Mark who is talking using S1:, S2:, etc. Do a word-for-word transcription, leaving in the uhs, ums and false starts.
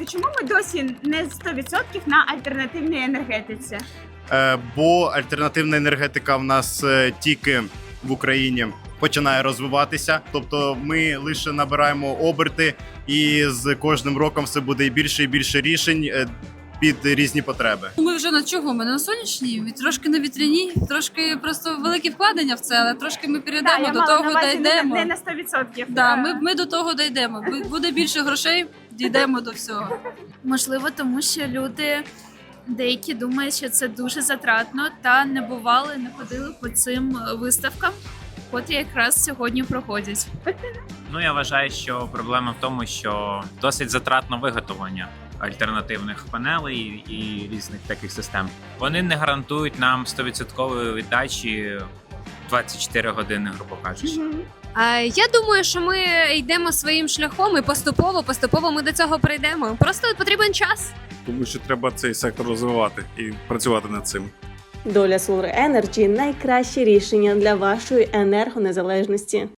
S1: чому ми досі не сто відсотків на альтернативній енергетиці?
S2: Е, бо альтернативна енергетика в нас е, тільки в Україні починає розвиватися. Тобто ми лише набираємо оберти, і з кожним роком все буде і більше і більше рішень е, під різні потреби.
S3: Ми вже на чого? Ми на сонячній, трошки на вітряній, трошки просто великі вкладення в це, але трошки ми перейдемо,
S1: я
S3: до
S1: мала
S3: того
S1: на увазі
S3: дійдемо.
S1: Не, не на сто відсотків.
S3: Да, ми, ми до того дійдемо. Буде більше грошей, дійдемо до всього.
S4: Можливо, тому що люди деякі думають, що це дуже затратно, та не бували, не ходили по цим виставкам, котрі якраз сьогодні проходять.
S5: Ну, я вважаю, що проблема в тому, що досить затратно виготовлення альтернативних панелей і різних таких систем. Вони не гарантують нам сто відсотків віддачі двадцять чотири години, грубо кажучи.
S1: Мгм.
S6: А, Я думаю, що ми йдемо своїм шляхом і поступово, поступово ми до цього прийдемо. Просто потрібен час.
S7: Тому що треба цей сектор розвивати і працювати над цим.
S8: Доля Solar Energy – найкраще рішення для вашої енергонезалежності.